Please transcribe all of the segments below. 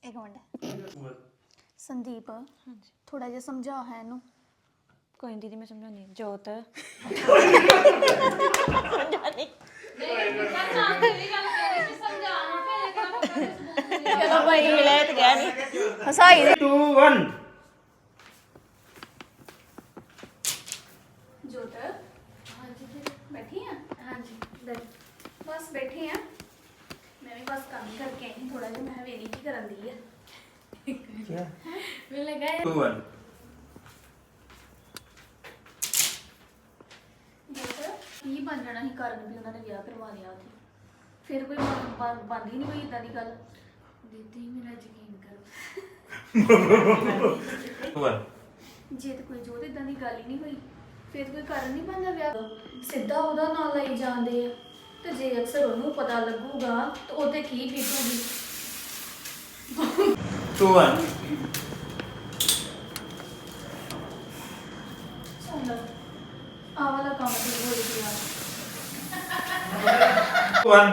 एक मिनट संदीप थोड़ा जिहा समझा है इनू कोई नहीं दीदी मैं समझानी जोत चलो भाई हिलायत गया नहीं हसाई दे 2 1 जोत हाँ जी बैठी हैं हाँ जी बस बैठी हैं मैं भी बस काम ही करके आई थोड़ा जिहा मैं वेली की करन दी है क्या मैं लगा 2 1 ਕੀ ਬਣ ਜਾਣਾ ਸੀ ਕਾਰਨ ਵੀ ਉਹਨਾਂ ਨੇ ਵਿਆਹ ਕਰਵਾ ਲਿਆ ਉੱਥੇ ਫਿਰ ਕੋਈ ਬੰਦ ਹੀ ਨਹੀਂ ਹੋਈ ਇਦਾਂ ਦੀ ਗੱਲ ਦੀਦੀ ਮੇਰਾ ਯਕੀਨ ਕਰੋ 2 1 ਜੇ ਤੇ ਕੋਈ ਜੋਤ ਇਦਾਂ ਦੀ ਗੱਲ ਹੀ ਨਹੀਂ ਹੋਈ ਫਿਰ ਕੋਈ ਕਾਰਨ ਨਹੀਂ ਬਣਦਾ ਵਿਆਹ ਦਾ ਸਿੱਧਾ ਉਹਦਾ ਨਾਂ ਲਈ ਜਾਂਦੇ ਆ ਤੇ ਜੇ ਅਕਸਰ ਉਹਨੂੰ ਪਤਾ ਲੱਗੂਗਾ ਤਾਂ ਉਹਦੇ ਕੀ ਬੀਤੂਗੀ 2 1 ਸੁਣ ਆ ਵਾਲਾ ਕੰਮ ਤੇ ਹੋ ਗਿਆ 1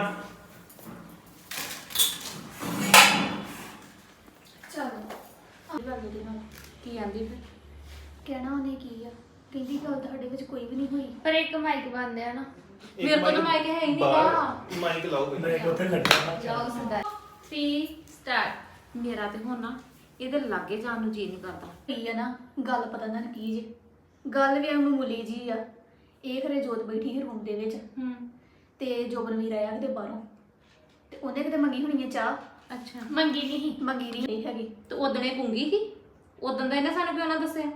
ਚਲੋ ਆ ਗੱਲ ਦੇ ਨਾਲ की आंदी फिर ਕਹਿਣਾ ਉਹਨੇ ਕੀ ਆ ਕਹਿੰਦੀ ਗੱਲ ਤੁਹਾਡੇ ਵਿੱਚ ਕੋਈ ਵੀ ਨਹੀਂ ਹੋਈ पर एक माइक बंद है ना मेरे को तो माइक है ही नहीं का ਮਾਈਕ ਲਾਓ ਬਈ ਬ੍ਰੇਕ ਉੱਥੇ ਲੱਗਿਆ जाओ सीधा 3 स्टार्ट मेरा ते होना ਇਹਦੇ ਲਾਗੇ ਜਾਣ ਨੂੰ ਜੀ ਨਹੀਂ ਕਰਦਾ ਕੀ ਆ ਨਾ ਗੱਲ ਪਤਾ ਨਾ ਕੀ ਜੇ ਗੱਲ ਵੀ ਮਾਮੂਲੀ ਜੀ ਆ ਇਹ ਖਰੇ ਜੋਤ ਬੈਠੀ ਸੀ ਰੂਮ ਦੇ ਵਿੱਚ ਤੇ ਜੋਬਨ ਵੀਰ ਆਇਆ ਕਿਤੇ ਬਾਹਰੋਂ ਤੇ ਉਹਨੇ ਕਿਤੇ ਮੰਗੀ ਹੋਣੀ ਹੈ ਚਾਹ ਅੱਛਾ ਮੰਗੀ ਨਹੀਂ ਮੰਗੀ ਨਹੀਂ ਹੈਗੀ ਤੇ ਉਦਣੇ ਗੁੰਗੀ ਸੀ ਉਦੋਂ ਦਾ ਇਹਨੇ ਸਾਨੂੰ ਕਿਉਂ ਨਾ ਦੱਸਿਆ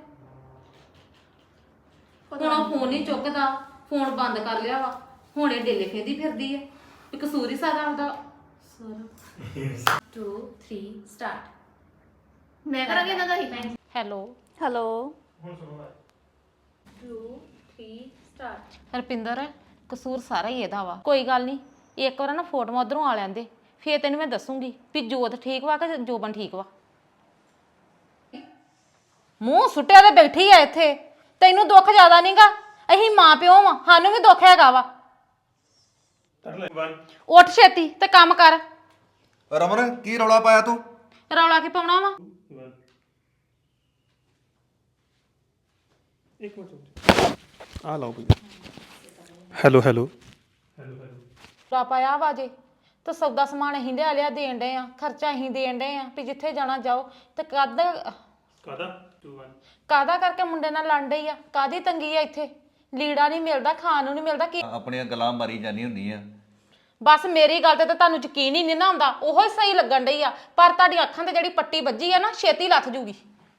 ਹੁਣ ਉਹ ਫੋਨ ਨਹੀਂ ਚੁੱਕਦਾ ਫੋਨ ਬੰਦ ਕਰ ਲਿਆ ਵਾ ਹੁਣ ਇਹ ਡੇਲੇ ਫੇਦੀ ਫਿਰਦੀ ਹੈ ਵੀ ਕਸੂਰ ਹੀ ਸਾਰਾ ਉਹਦਾ ਸਰ 2 3 ਸਟਾਰਟ ਮੈਂ ਕਰਾਂਗੀ ਇਹਨਾਂ ਦਾ ਹੀ ਹੈਲੋ ਹੈਲੋ ਹੁਣ ਸੁਣੋ 2 3 ਸਟਾਰਟ ਰਪਿੰਦਰ ਕਸੂਰ ਸਾਰਾ ਹੀ ਇਹਦਾ ਵਾ ਕੋਈ ਗੱਲ ਨਹੀਂ ਇੱਕ ਵਾਰ ਨਾ ਫੋਟੋ ਉਧਰੋਂ ਆ ਲੈਂਦੇ ਫੇਰ ਤੈਨੂੰ ਮੈਂ ਦੱਸੂਗੀ ਵੀ ਜੋਤ ਠੀਕ ਵਾ ਕਿ ਜੋਬਨ ਠੀਕ ਵਾ ਮੂੰਹ ਸੁੱਟਿਆ ਤੇ ਬੈਠੀ ਆ ਇੱਥੇ ਤੈਨੂੰ ਦੁੱਖ ਜ਼ਿਆਦਾ ਨਹੀਂਗਾ ਅਸੀਂ ਮਾਂ ਪਿਓ ਵਾ ਸਾਨੂੰ ਵੀ ਦੁੱਖ ਹੈਗਾ ਵਾ ਕਰ ਲੈ 1 ਉੱਠ ਛੇਤੀ ਤੇ ਕੰਮ ਕਰ ਰਮਨ ਕੀ ਰੌਲਾ ਪਾਇਆ ਤੂੰ ਰੌਲਾ ਕੀ ਪਾਉਣਾ ਵਾ 1 ਇੱਕ ਮਿੰਟ ਆ ਲਓ ਬਈ ਹੈਲੋ ਹੈਲੋ ਹੈਲੋ ਰੌਲਾ ਪਾਇਆ ਵਾ ਜੇ ਤੇ ਸੌਦਾ ਸਮਾਨ ਅਸੀਂ ਲਿਆ ਲਿਆ ਦੇਣ ਡਏ ਆ ਖਰਚਾ ਅਸੀਂ ਦੇਣ ਡਏ ਆ ਵੀ ਜਿੱਥੇ ਜਾਣਾ ਜਾਓ ਤੇ ਕਾਦਾ 2 1 ਕਾਦਾ ਕਰਕੇ ਮੁੰਡੇ ਨਾਲ ਲੜ ਡਈ ਆ ਕਾਦੀ ਤੰਗੀ ਆ ਇੱਥੇ ਲੀੜਾ ਨਹੀਂ ਮਿਲਦਾ ਖਾਣ ਨੂੰ ਨਹੀਂ ਮਿਲਦਾ ਕੀ ਆਪਣੀਆਂ ਗੱਲਾਂ ਮਾਰੀ ਜਾਨੀ ਹੁੰਦੀ ਆ ਬਸ ਮੇਰੀ ਗੱਲ ਤੇ ਤਾਂ ਤੁਹਾਨੂੰ ਯਕੀਨ ਹੀ ਨਹੀਂ ਨਾ ਆਉਂਦਾ ਉਹੋ ਹੀ ਸਹੀ ਲੱਗਣ ਡਈ ਆ ਪਰ ਤੁਹਾਡੀ ਅੱਖਾਂ ਤੇ ਜਿਹੜੀ ਪੱਟੀ ਵੱਜੀ ਆ ਨਾ ਛੇਤੀ ਲੱਥ ਜੂਗੀ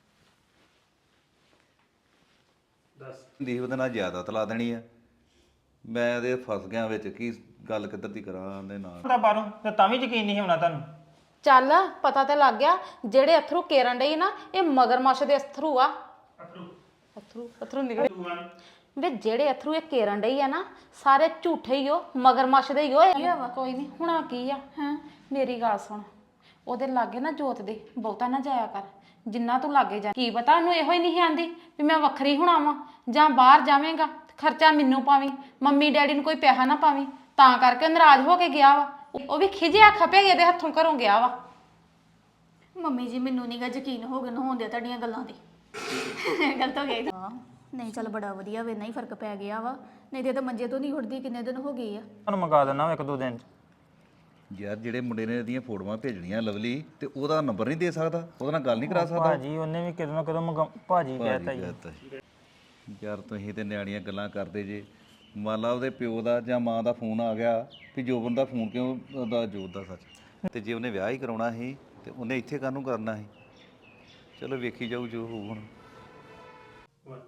10 ਦੀਪ ਉਹਦੇ ਨਾਲ ਜ਼ਿਆਦਾ ਤਲਾ ਦੇਣੀ ਆ ਮੈਂ ਇਹਦੇ ਫਸ ਗਿਆ ਵਿੱਚ ਕੀ ਗੱਲ ਕਿੱਧਰ ਦੀ ਕਰਾਂ ਦੇ ਨਾਲ ਤਾਂ ਬਾਹਰੋਂ ਤੇ ਤਾਂ ਵੀ ਯਕੀਨ ਨਹੀਂ ਹੋਣਾ ਤੁਹਾਨੂੰ ਚੱਲ ਪਤਾ ਤੇ ਲੱਗ ਗਿਆ ਜਿਹੜੇ ਅਥਰੂ ਕੇਰਨ ਡਈ ਨਾ ਇਹ ਮਗਰਮੱਛ ਦੇ ਅਥਰੂ ਆ ਅਥਰੂ ਨਿਕਲੇ 2 1 ਵੇ ਜਿਹੜੇ ਅਥਰੂ ਇਹ ਕੇਰਨ ਡਈ ਆ ਨਾ ਸਾਰੇ ਝੂਠੇ ਹੀ ਹੋ ਮਗਰਮੱਛ ਦੇ ਹੀ ਹੋ ਕੋਈ ਨਹੀਂ ਹੁਣਾ ਕੀ ਆ ਹਾਂ ਮੇਰੀ ਗੱਲ ਸੁਣ ਉਹਦੇ ਲਾਗੇ ਨਾ ਜੋਤ ਦੇ ਬਹੁਤਾ ਨਾ ਜਾਇਆ ਕਰ ਜਿੰਨਾ ਤੂੰ ਲਾਗੇ ਜਾ ਕੀ ਪਤਾ ਉਹਨੂੰ ਇਹੋ ਹੀ ਨਹੀਂ ਆਂਦੀ ਵੀ ਮੈਂ ਵੱਖਰੀ ਹੋਣਾ ਵਾਂ ਜਾਂ ਬਾਹਰ ਜਾਵੇਂਗਾ ਖਰਚਾ ਮੈਨੂੰ ਪਾਵੀਂ ਮੰਮੀ ਡੈਡੀ ਨੂੰ ਕੋਈ ਪੈਸਾ ਨਾ ਪਾਵੀਂ ਤਾਂ ਕਰਕੇ ਨਾਰਾਜ਼ ਹੋ ਕੇ ਗਿਆ ਵਾ ਉਹ ਵੀ ਖਿਜਿਆ ਖਪੇ ਇਹਦੇ ਹੱਥੋਂ ਘਰੋਂ ਗਿਆ ਵਾ ਮੰਮੀ ਜੀ ਮੈਨੂੰ ਨਹੀਂਗਾ ਯਕੀਨ ਹੋ ਗਿਆ ਹੋਣ ਦਿਆ ਤੁਹਾਡੀਆਂ ਗੱਲਾਂ ਤੇ ਗਲਤ ਹੋ ਗਿਆ ਹਾਂ ਨਹੀਂ ਚੱਲ ਬੜਾ ਵਧੀਆ ਵੇ ਨਹੀਂ ਫਰਕ ਪੈ ਗਿਆ ਵਾ ਨਹੀਂ ਤੇ ਤਾਂ ਮੰਜੇ ਤੋਂ ਨਹੀਂ ਉੱਠਦੀ ਕਿੰਨੇ ਦਿਨ ਹੋ ਗਏ ਆ ਤੁਹਾਨੂੰ ਮੰਗਾ ਦੇਣਾ ਇੱਕ ਦੋ ਦਿਨ ਚ ਯਾਰ ਜਿਹੜੇ ਮੁੰਡੇ ਨੇ ਇਹਦੀਆਂ ਫੋਟੋਆਂ ਭੇਜਣੀਆਂ ਲਵਲੀ ਤੇ ਉਹਦਾ ਨੰਬਰ ਨਹੀਂ ਦੇ ਸਕਦਾ ਉਹਦੇ ਨਾਲ ਗੱਲ ਨਹੀਂ ਕਰਾ ਸਕਦਾ ਭਾਜੀ ਉਹਨੇ ਵੀ ਕਦੋਂ ਨਾ ਕਦੋਂ ਭਾਜੀ ਕਹਿਤਾ ਜੀ ਕਹਿਤਾ ਜੀ। ਯਾਰ ਤੁਸੀਂ ਤੇ ਨਿਆਣੀਆਂ ਗੱਲਾਂ ਕਰਦੇ ਜੇ ਮੰਨ ਲਾ ਉਹਦੇ ਪਿਓ ਦਾ ਜਾਂ ਮਾਂ ਦਾ ਫੋਨ ਆ ਗਿਆ ਵੀ ਜੋਬਨ ਦਾ ਫੋਨ ਕਿਉਂ ਉਹਦਾ ਜੋਤ ਦਾ ਸੱਚ ਤੇ ਜੇ ਉਹਨੇ ਵਿਆਹ ਹੀ ਕਰਾਉਣਾ ਸੀ ਤੇ ਉਹਨੇ ਇੱਥੇ ਕਾਹਨੂੰ ਕਰਨਾ ਸੀ ਚਲੋ ਵੇਖੀ ਜਾਊ ਜੋ ਹੋਊ ਹੁਣ 1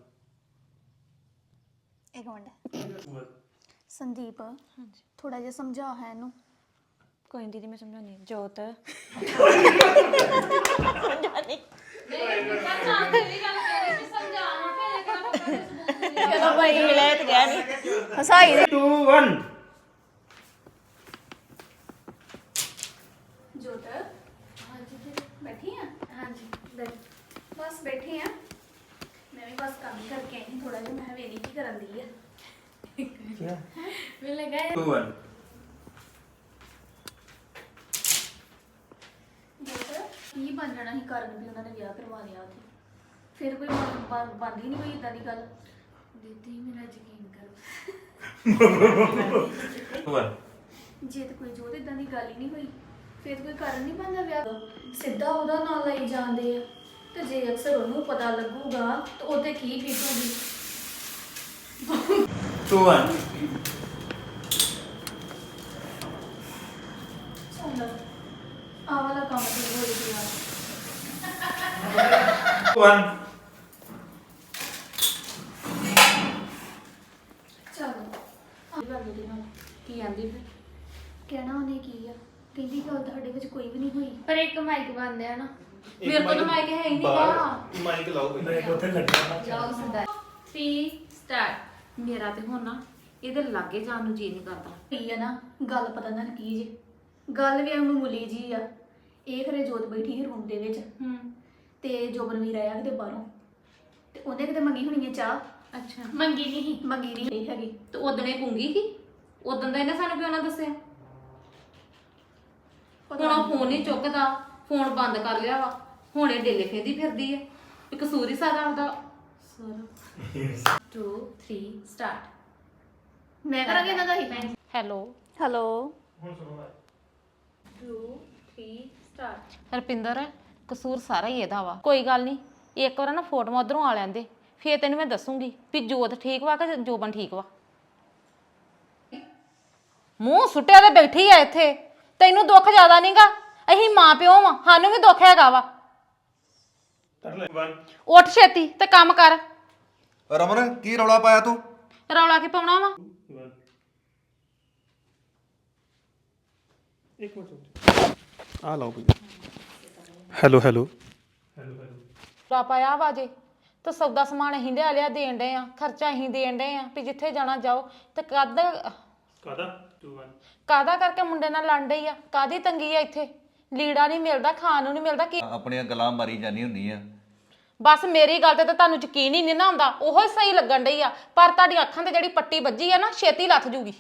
ਇੱਕ ਮਿੰਟ ਸੰਦੀਪ ਥੋੜਾ ਜਿਹਾ ਸਮਝਾ ਹੈ ਇਹਨੂੰ ਕੋਈ ਦੀਦੀ ਮੈਂ ਸਮਝਾਉਣੀ ਜੋਤ ਚਲੋ ਭਾਈ ਹਿਲਾਇਤ ਗਿਆ ਨਹੀਂ ਹਸਾਈ ਦੇ 2 1 ਜੋਤ ਹਾਂ ਜੀ ਬੈਠੀ ਆ ਹਾਂ ਜੀ ਬਸ ਬੈਠੀ ਆ ਮੈਂ ਵੀ ਬਸ ਕੰਮ ਹੀ ਕਰਕੇ ਆਈ ਥੋੜਾ ਜਿਹਾ ਮੈਂ ਵੇਲੀ ਕੀ ਕਰਨ ਦੀ ਆ क्या मैं लगा 2 1 ਜੋਤ ਕੀ ਬਣ ਜਾਣਾ ਸੀ ਕਾਰਨ ਵੀ ਉਹਨਾਂ ਨੇ ਵਿਆਹ ਕਰਵਾ ਲਿਆ ਉੱਥੇ ਫਿਰ ਕੋਈ ਬਣਦੀ ਨਹੀਂ ਕੋਈ ਇਦਾਂ ਦੀ ਗੱਲ ਦੀਦੀ ਮੇਰਾ ਯਕੀਨ ਕਰੋ ਜੇ ਤੇ ਕੋਈ ਜੋਤ ਇਦਾਂ ਦੀ ਗੱਲ ਹੀ ਨਹੀਂ ਹੋਈ ਫਿਰ ਕੋਈ ਕਾਰਨ ਨਹੀਂ ਬਣਦਾ ਵਿਆਹ ਦਾ ਸਿੱਧਾ ਉਹਦਾ ਨਾਂ ਲਈ ਜਾਂਦੇ ਆ ਤੇ ਜੇ ਅਕਸਰ ਉਹਨੂੰ ਪਤਾ ਲੱਗੂਗਾ ਤਾਂ ਉਹਦੇ ਕੀ ਬੀਤੂਗੀ 2 1 ਸੁਣਦਾ ਆਹ ਵਾਲਾ ਕੰਮ ਤੇ ਹੋ ਰਿਹਾ 1 ਚਲੋ ਆਹ ਗੱਲ ਉਹਦੇ ਨਾਲ ਕੀ ਆਂਦੀ ਫਿਰ ਕਹਿਣਾ ਉਹਨੇ ਕੀ ਆ ਕਹਿੰਦੀ ਗੱਲ ਤੁਹਾਡੇ ਵਿੱਚ ਕੋਈ ਵੀ ਨਹੀਂ ਹੋਈ ਪਰ ਇੱਕ ਮਾਈਕ ਬੰਦ ਆ ਨਾ ਮੇਰੇ ਕੋਲ ਤਾਂ ਮਾਈਕ ਹੈ ਹੀ ਨਹੀਂਗਾ ਮਾਈਕ ਲਾਓ ਜਾਓ ਸੰਦਾ 3 ਸਟਾਰਟ ਮੇਰਾ ਤੇ ਹੁਣ ਨਾ ਇਹਦੇ ਲਾਗੇ ਜਾਣ ਨੂੰ ਜੀ ਨਹੀਂ ਕਰਦਾ ਕੀ ਆ ਨਾ ਗੱਲ ਪਤਾ ਨਾ ਕੀ ਜੇ ਗੱਲ ਵੀ ਮਾਮੂਲੀ ਜੀ ਆ ਇਹ ਖਰੇ ਜੋਤ ਬੈਠੀ ਸੀ ਰੂਮ ਦੇ ਵਿੱਚ ਤੇ ਜੋਬਨ ਵੀਰ ਆਇਆ ਕਿਤੇ ਬਾਹਰੋਂ ਤੇ ਉਹਨੇ ਕਿਤੇ ਮੰਗੀ ਹੋਣੀ ਹੈ ਚਾਹ ਅੱਛਾ ਮੰਗੀ ਨਹੀਂ ਮੰਗੀ ਨਹੀਂ ਹੈਗੀ ਤੇ ਉਦਣੇ ਗੁੰਗੀ ਸੀ ਉਦੋਂ ਦਾ ਇਹਨੇ ਸਾਨੂੰ ਕਿਉਂ ਨਾ ਦੱਸਿਆ ਹੁਣ ਉਹ ਫੋਨ ਨਹੀਂ ਚੁੱਕਦਾ ਫੋਨ ਬੰਦ ਕਰ ਲਿਆ ਵਾ ਹੁਣ ਇਹ ਡੇਲੇ ਫੇਰਦੀ ਫਿਰਦੀ ਆ ਵੀ ਕਸੂਰ ਹੀ ਸਾਰਾ ਉਹਦਾ ਸਰ 2 3 ਸਟਾਰਟ ਮੈਂ ਕਰਾਂਗੀ ਇਹਨਾਂ ਦਾ ਹੀ ਹੈਲੋ ਹੈਲੋ 2 3 ਸਟਾਰਟ ਹਰਪਿੰਦਰ ਕਸੂਰ ਸਾਰਾ ਹੀ ਇਹਦਾ ਵਾ ਕੋਈ ਗੱਲ ਨਹੀਂ ਇੱਕ ਵਾਰ ਨਾ ਫੋਟੋਆਂ ਉਧਰੋਂ ਆ ਲੈਂਦੇ ਫੇਰ ਤੈਨੂੰ ਮੈਂ ਦੱਸੂਗੀ ਵੀ ਜੋਤ ਠੀਕ ਵਾ ਕਿ ਜੋਬਨ ਠੀਕ ਵਾ ਮੂੰਹ ਸੁੱਟਿਆ ਤੇ ਬੈਠੀ ਆ ਇੱਥੇ ਤੈਨੂੰ ਦੁੱਖ ਜ਼ਿਆਦਾ ਨਹੀਂਗਾ ਅਸੀਂ ਮਾਂ ਪਿਓ ਵਾਂ ਸਾਨੂੰ ਵੀ ਦੁੱਖ ਹੈਗਾ ਵਾ ਉੱਠ ਛੇਤੀ ਤੇ ਕੰਮ ਕਰ ਰਮਨ ਕੀ ਰੌਲਾ ਪਾਇਆ ਤੂੰ ਰੌਲਾ ਕੀ ਪਾਉਣਾ ਵਾ ਇੱਕ ਮਿੰਟ ਆ ਲਾਓ ਕੋਈ ਹੈਲੋ ਹੈਲੋ ਰੌਲਾ ਪਾਇਆ ਵਾ ਜੇ ਤੇ ਸੌਦਾ ਸਮਾਨ ਅਸੀਂ ਲਿਆ ਲਿਆ ਦੇਣ ਡਏ ਆ ਖਰਚਾ ਅਸੀਂ ਦੇਣ ਡਏ ਆ ਵੀ ਜਿੱਥੇ ਜਾਣਾ ਜਾਓ ਤੇ ਕਾਦਾ 2 1 ਕਾਦਾ ਕਰਕੇ ਮੁੰਡੇ ਨਾਲ ਲੜ ਡਈ ਆ ਕਾਦੀ ਤੰਗੀ ਆ ਇੱਥੇ ਲੀੜਾ ਨਹੀਂ ਮਿਲਦਾ ਖਾਣ ਨੂੰ ਨਹੀਂ ਮਿਲਦਾ ਕੀ ਆਪਣੀਆਂ ਗੱਲਾਂ ਮਾਰੀ ਜਾਨੀ ਹੁੰਦੀ ਆ ਬਸ ਮੇਰੀ ਗੱਲ ਤੇ ਤਾਂ ਤੁਹਾਨੂੰ ਯਕੀਨ ਹੀ ਨਹੀਂ ਨਾ ਆਉਂਦਾ ਉਹੋ ਹੀ ਸਹੀ ਲੱਗਣ ਡਈ ਆ ਪਰ ਤੁਹਾਡੀ ਅੱਖਾਂ ਤੇ ਜਿਹੜੀ ਪੱਟੀ ਵੱਜੀ ਆ ਨਾ ਛੇਤੀ ਲੱਥ ਜੂਗੀ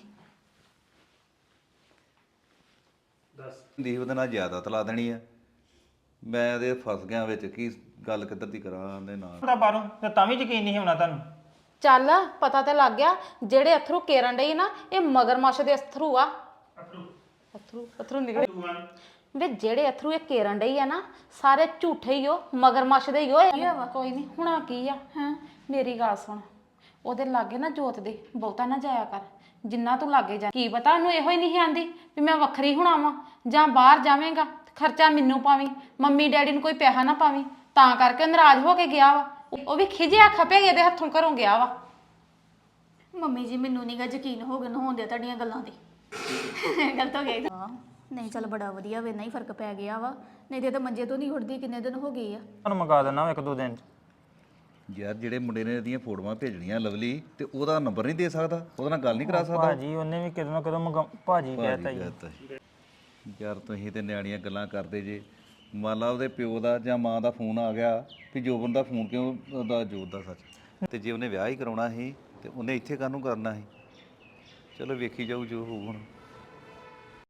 ਦੀਪ ਉਹਦੇ ਨਾਲ ਜ਼ਿਆਦਾ ਤਲਾ ਦੇਣੀ ਆ ਮੈਂ ਇਹਦੇ ਫਸ ਗਿਆ ਵਿੱਚ ਕੀ ਗੱਲ ਕਿੱਧਰ ਦੀ ਕਰਾਂ ਦੇ ਨਾਲ ਦਾ ਬਾਹਰੋਂ ਤੇ ਤਾਂ ਵੀ ਯਕੀਨ ਨਹੀਂ ਹੋਣਾ ਤੁਹਾਨੂੰ ਚੱਲ ਪਤਾ ਤੇ ਲੱਗ ਗਿਆ ਜਿਹੜੇ ਅਥਰੂ ਕੇਰਨ ਡਈ ਨਾ ਇਹ ਮਗਰਮੱਛ ਦੇ ਅਥਰੂ ਆ ਅਥਰੂ ਨਿਕਲੇ 2 1 ਵੇ ਜਿਹੜੇ ਅਥਰੂ ਇਹ ਕੇਰਨ ਡਈ ਆ ਨਾ ਸਾਰੇ ਝੂਠੇ ਹੀ ਹੋ ਮਗਰਮੱਛ ਦੇ ਹੀ ਹੋ ਕੋਈ ਨਹੀਂ ਹੁਣਾ ਕੀ ਆ ਮੇਰੀ ਗੱਲ ਸੁਣ ਉਹਦੇ ਲਾਗੇ ਨਾ ਜੋਤ ਦੇ ਬਹੁਤਾ ਨਾ ਜਾਇਆ ਕਰ ਜਿੰਨਾ ਤੂੰ ਲਾਗੇ ਜਾ ਕੀ ਪਤਾ ਉਹਨੂੰ ਇਹੋ ਹੀ ਨਹੀਂ ਆਂਦੀ ਵੀ ਮੈਂ ਵੱਖਰੀ ਹੋਣਾ ਵਾਂ ਜਾਂ ਬਾਹਰ ਜਾਵੇਂਗਾ ਖਰਚਾ ਮੈਨੂੰ ਪਾਵੀਂ ਮੰਮੀ ਡੈਡੀ ਨੂੰ ਕੋਈ ਪੈਸਾ ਨਾ ਪਾਵੀਂ ਤਾਂ ਕਰਕੇ ਨਾਰਾਜ਼ ਹੋ ਕੇ ਗਿਆ ਵਾ ਉਹ ਵੀ ਖਿਜਿਆ ਖਪਿਆ ਇਹਦੇ ਹੱਥੋਂ ਘਰੋਂ ਗਿਆ ਵਾ ਮੰਮੀ ਜੀ ਮੈਨੂੰ ਨਹੀਂਗਾ ਯਕੀਨ ਹੋ ਗਿਆ ਹੋਂਦੇ ਤੁਹਾਡੀਆਂ ਗੱਲਾਂ ਤੇ ਗਲਤ ਹੋ ਗਈ ਹਾਂ ਨਹੀਂ ਚੱਲ ਬੜਾ ਵਧੀਆ ਵੇ ਨਹੀਂ ਫਰਕ ਪੈ ਗਿਆ ਵਾ ਨਹੀਂ ਤੇ ਤਾਂ ਮੰਜੇ ਤੋਂ ਨਹੀਂ ਉੱਠਦੀ ਕਿੰਨੇ ਦਿਨ ਹੋ ਗਏ ਆ ਤੁਹਾਨੂੰ ਮੰਗਾ ਦੇਣਾ 1-2 ਦਿਨ ਚ ਯਾਰ ਜਿਹੜੇ ਮੁੰਡੇ ਨੇ ਇਹਦੀਆਂ ਫੋਟੋਆਂ ਭੇਜਣੀਆਂ ਲਵਲੀ ਤੇ ਉਹਦਾ ਨੰਬਰ ਨਹੀਂ ਦੇ ਸਕਦਾ ਉਹਦੇ ਨਾਲ ਗੱਲ ਨਹੀਂ ਕਰਾ ਸਕਦਾ ਭਾਜੀ ਉਹਨੇ ਵੀ ਕਿਦੋਂ ਨਾ ਕਦੋਂ ਭਾਜੀ ਕਹਿਤਾ ਜੀ ਯਾਰ ਤੁਸੀਂ ਤੇ ਨਿਆਣੀਆਂ ਗੱਲਾਂ ਕਰਦੇ ਜੇ ਮੰਨ ਲਾ ਉਹਦੇ ਪਿਓ ਦਾ ਜਾਂ ਮਾਂ ਦਾ ਫੋਨ ਆ ਗਿਆ ਵੀ ਜੋਬਨ ਦਾ ਫੋਨ ਕਿਉਂ ਉਹਦਾ ਜੋਤ ਦਾ ਸੱਚ ਤੇ ਜੇ ਉਹਨੇ ਵਿਆਹ ਹੀ ਕਰਾਉਣਾ ਸੀ ਤੇ ਉਹਨੇ ਇੱਥੇ ਕਾਹਨੂੰ ਕਰਨਾ ਸੀ ਚਲੋ ਵੇਖੀ ਜਾਊ ਜੋ ਹੋਊ ਹੁਣ